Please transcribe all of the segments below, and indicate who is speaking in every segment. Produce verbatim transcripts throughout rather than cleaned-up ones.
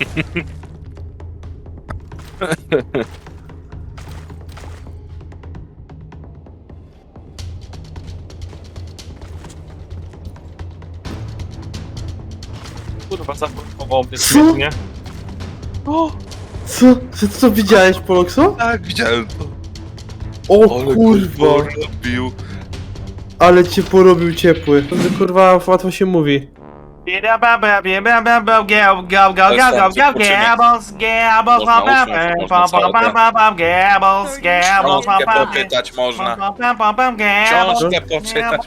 Speaker 1: Kurwa, zapoczątkował mnie świetnie. O!
Speaker 2: Co? Co, co widziałeś, Polokso?
Speaker 3: Tak, widziałem to.
Speaker 2: O
Speaker 3: Ale
Speaker 2: kurwa,
Speaker 3: robił.
Speaker 2: ale cię porobił ciepły. To kurwa łatwo się mówi.
Speaker 3: Książkę poczytać można. Książkę poczytać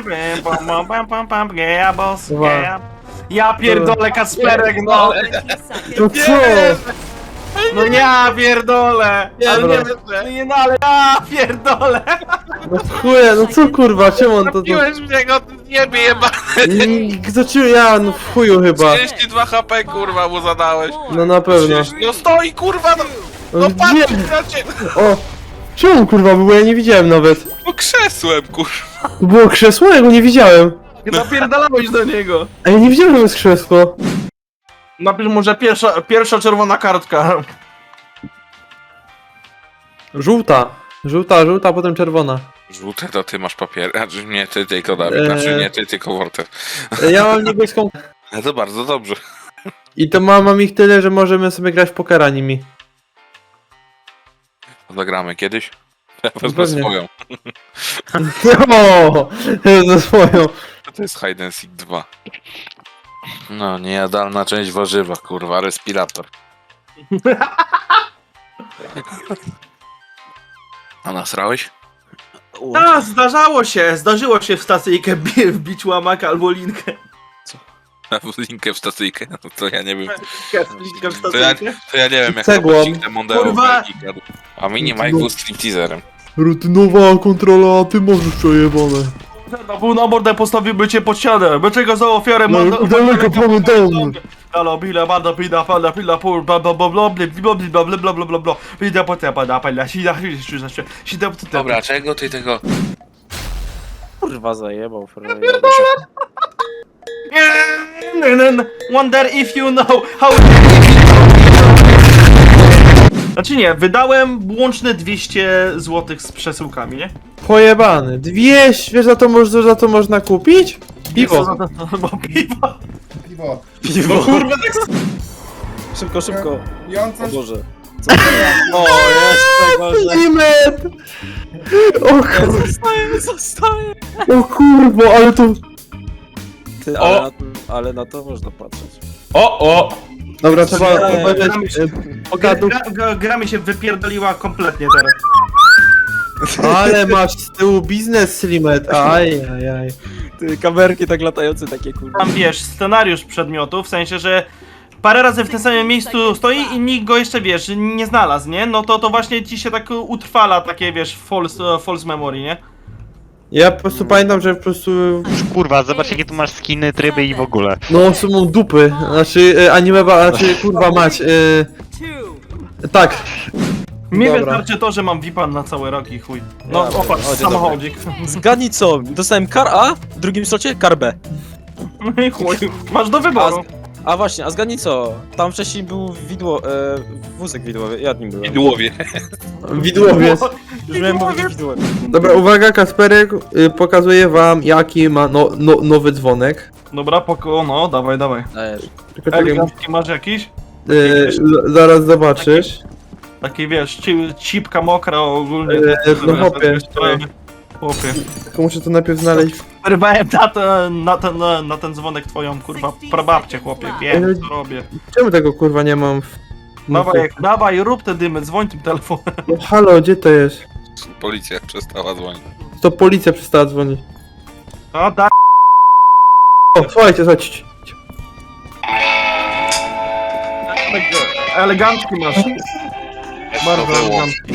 Speaker 3: można.
Speaker 1: Ja pierdolę, Kasperek, no!
Speaker 2: To co?
Speaker 1: No ja pierdolę! Ale nie,
Speaker 2: Dobra.
Speaker 1: nie, no ale ja pierdolę!
Speaker 2: No chuje, no co kurwa, czemu on to... to...
Speaker 3: Zabiłeś mnie go, nie jeba.
Speaker 2: Mm, Zacząłem ja, no w chuju chyba.
Speaker 3: trzydzieści dwa H P kurwa mu zadałeś.
Speaker 2: No na pewno.
Speaker 3: No stoi kurwa, no,
Speaker 2: No,
Speaker 3: no patrz
Speaker 2: gdzie?
Speaker 3: na cię.
Speaker 2: O! Czemu kurwa było? Ja nie widziałem nawet.
Speaker 3: No krzesłem kurwa.
Speaker 2: To było krzesło? Ja go nie widziałem.
Speaker 1: Napierdalałeś do niego!
Speaker 2: A ja nie widziałem, że to jest krzesło.
Speaker 1: Napisz może pierwsza, pierwsza czerwona kartka.
Speaker 2: Żółta. Żółta, żółta, potem czerwona.
Speaker 3: Żółte to ty masz papier, znaczy nie ty tylko Dawid,
Speaker 2: Eee.
Speaker 3: znaczy nie ty tylko Worter.
Speaker 2: E, Ja mam niebieską.
Speaker 3: No to bardzo dobrze.
Speaker 2: I to mam, mam ich tyle, że możemy sobie grać w pokera nimi.
Speaker 3: Zagramy kiedyś? Ja wezmę
Speaker 2: Pewnie.
Speaker 3: swoją.
Speaker 2: O, ze swoją.
Speaker 3: To jest Hide and Seek dwa. No, niejadalna część warzywa, kurwa, respirator. A nasrałeś?
Speaker 1: A, zdarzało się, zdarzyło się w stacyjkę bi- wbić łamaka albo linkę.
Speaker 3: Linkę w stacyjkę? No to ja nie wiem.
Speaker 1: Linkę w
Speaker 3: To ja,
Speaker 1: stacyjkę.
Speaker 3: to ja nie wiem jak
Speaker 2: Cegłą.
Speaker 3: to pościg Mondeo
Speaker 1: Kurwa.
Speaker 3: gadł. A mini Mike był stripteaserem.
Speaker 2: Rutynowa kontrola, a ty możesz przejebane.
Speaker 1: Na pół na mordę postawiłby cię pod ścianę. Dlaczego za ofiarę
Speaker 2: No,
Speaker 1: mordę-
Speaker 2: daleko pamiętam.
Speaker 1: Halo, bila, bada, bida, fala, pila, pur, bla, bla, bla, bla, bla, bla, bla, bla, bla, bla, bla, bla, bida, potem, pada, pala, sida, sida, sida, sida, potem.
Speaker 3: Dobra, czego ty tego...
Speaker 4: Kurwa zajebał, frajer.
Speaker 1: Wonder if you know how... Znaczy nie, wydałem łączne dwieście złotych z przesyłkami, nie?
Speaker 2: Pojebany. dwieście, wiesz za to, moż- za to można kupić? Piwo.
Speaker 1: Bo piwo.
Speaker 5: Piwo.
Speaker 1: No kurwa, tak
Speaker 4: Szybko, szybko.
Speaker 5: I on
Speaker 4: O
Speaker 5: coś...
Speaker 4: Boże. Co to jest? O, jeszcze gorzej.
Speaker 2: Limit! O, kur...
Speaker 4: Zostaje, zostaje.
Speaker 2: o kurwo, ale to...
Speaker 4: Ty,
Speaker 1: O!
Speaker 4: ale, na, ale na to można patrzeć.
Speaker 1: O, o!
Speaker 2: Dobra, trzeba
Speaker 4: Eee,
Speaker 2: obejrzeć e, pogadów.
Speaker 1: Gra, gra, gra mi się wypierdoliła kompletnie teraz.
Speaker 2: Ale masz z tyłu biznes, Slimet. Aj, aj, aj.
Speaker 4: Ty, kamerki tak latające takie kurwa.
Speaker 1: Tam wiesz, scenariusz przedmiotu, w sensie, że parę razy w tym samym miejscu stoi i nikt go jeszcze, wiesz, nie znalazł, nie? No to to właśnie ci się tak utrwala takie, wiesz, false, false memory, nie?
Speaker 2: Ja po prostu pamiętam, że po prostu...
Speaker 6: Kurwa, zobacz jakie tu masz skiny, tryby i w ogóle.
Speaker 2: No, sumą dupy. Znaczy, e, anime, ba- znaczy, kurwa mać. E, tak.
Speaker 1: Mnie
Speaker 2: Dobra.
Speaker 1: wystarczy to, że mam V I P-a na cały rok i chuj. No,
Speaker 4: Ja
Speaker 1: opatrz,
Speaker 4: pierdolę.
Speaker 1: samochodzik.
Speaker 4: Zgadnij co, dostałem kar A, w drugim slocie kar B.
Speaker 1: No i chuj, masz do
Speaker 4: A,
Speaker 1: wyboru.
Speaker 4: z- a właśnie, a zgadnij co, tam wcześniej był widło, e, wózek widłowy, ja nim byłem.
Speaker 3: Idłowie.
Speaker 2: Widłowiec.
Speaker 4: Już miałem powiedzieć widłowy.
Speaker 2: Dobra, uwaga, Kasperek y, pokazuje wam, jaki ma no, no, nowy dzwonek.
Speaker 1: Dobra, poko, no, dawaj, dawaj.
Speaker 4: Dajesz.
Speaker 2: Tylko czekaj,
Speaker 1: Elegancki masz jakiś?
Speaker 2: y, z- zaraz zobaczysz.
Speaker 1: Taki, wiesz, ci, cipka mokra ogólnie.
Speaker 2: Eee, no chłopie.
Speaker 1: Chłopie.
Speaker 2: Tylko muszę to najpierw znaleźć.
Speaker 1: Wyrwałem na ten, na ten, na ten dzwonek twoją, kurwa, prababcię, chłopie, wiem, co robię.
Speaker 2: Czemu tego kurwa nie mam w...
Speaker 1: Dawaj, dawaj, rób te dymy, dzwoń tym telefonem.
Speaker 2: No halo, gdzie to jest?
Speaker 3: Policja przestała dzwonić.
Speaker 2: To policja przestała dzwonić.
Speaker 1: A, da...
Speaker 2: O, słuchajcie, słuchajcie.
Speaker 1: Elegancki masz. Bardzo
Speaker 3: To było.
Speaker 1: elegancki.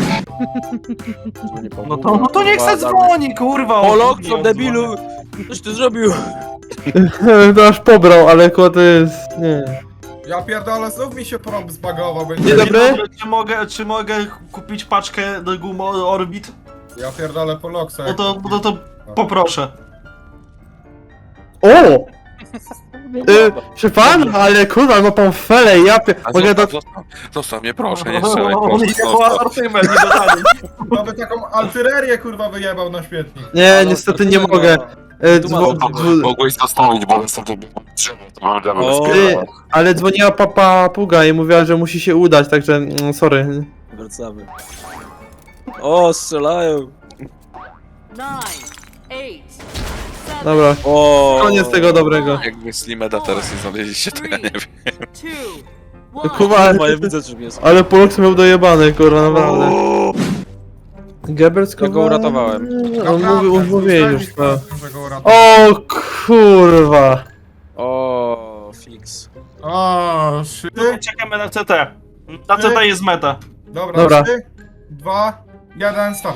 Speaker 1: No to, no to niech se dzwoni, kurwa.
Speaker 4: Polok,
Speaker 1: o,
Speaker 4: co debilu! Coś ty zrobił!
Speaker 2: To aż pobrał, ale ko to jest... nie.
Speaker 5: Ja pierdolę, znów mi się prąd zbagował, bo
Speaker 2: Dzień
Speaker 5: nie...
Speaker 2: dobry.
Speaker 1: Czy mogę, czy mogę kupić paczkę do gum Orbit?
Speaker 5: Ja pierdolę po loksa.
Speaker 1: No to, no to poproszę.
Speaker 2: O! Y, Proszę pan, ale kurwa, ma pan felę, ja pie...
Speaker 3: A
Speaker 2: Mogę do...
Speaker 3: zostaw, zostaw, zostaw mnie, proszę, nie strzelaj,
Speaker 1: On
Speaker 3: proszę,
Speaker 1: idzie po
Speaker 3: zostaw.
Speaker 1: asortyment, nie dodali.
Speaker 5: To by taką altyrerię kurwa wyjebał na śmietnik.
Speaker 2: Nie, niestety nie mogę. Y, dzwo... dzwo...
Speaker 3: Mogłeś zostawić, bo sobie drzewo, to drzewo
Speaker 4: O.
Speaker 2: Y, ale dzwoniła papa Puga i mówiła, że musi się udać, także mm, sorry.
Speaker 4: Wracamy. O, strzelają.
Speaker 7: Nine, eight, seven,
Speaker 2: Dobra,
Speaker 4: O.
Speaker 2: koniec tego dobrego.
Speaker 3: Jakby Slimeda teraz nie znaleźliście, to ja nie wiem.
Speaker 7: two, one.
Speaker 2: Kuba,
Speaker 4: Kurwa, ja widzę czym jest.
Speaker 2: ale Polok miał dojebany, kurwa, naprawdę. Gebert
Speaker 4: Ja go uratowałem.
Speaker 2: On mówił, on mówił już, to.
Speaker 5: Że go uratował.
Speaker 2: O kurwa.
Speaker 4: O, fix.
Speaker 5: O, shit.
Speaker 1: Czekamy na C T. Na C T jest meta.
Speaker 5: Dobra,
Speaker 2: Dobra.
Speaker 5: trzy, dwa, jeden, stop.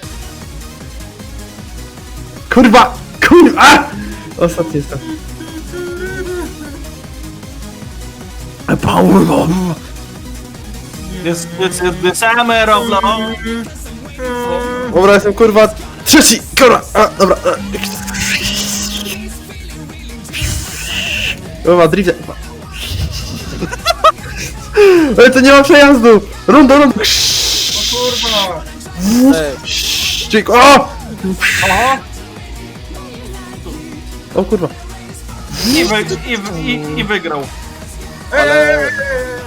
Speaker 2: Kurwa! Kurwa! Ostatni jestem. Power
Speaker 1: This, this is the summer of love.
Speaker 2: Dobra, jestem kurwa trzeci! Kurwa! A, dobra. Kurwa, drift. Ale to nie ma przejazdu! Rondo, rondo!
Speaker 5: Kurwa.
Speaker 4: Ej,
Speaker 2: Ścig, o! O kurwa.
Speaker 1: I, wy, i, wy- i, i wygrał.
Speaker 5: Ej, ej, ej, ej, ej.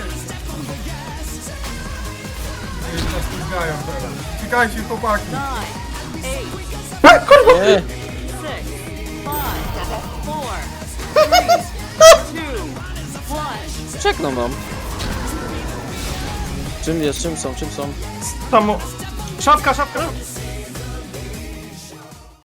Speaker 5: Ej, to spóźniają teraz. Czekajcie, chłopaki.
Speaker 7: Nine, eight,
Speaker 2: A, kurwa!
Speaker 4: nie.
Speaker 7: six, five, four, three, two, one.
Speaker 4: Czekną nam. Czym jest, czym są, czym są?
Speaker 1: Tam... Szafka, szafka, szafka.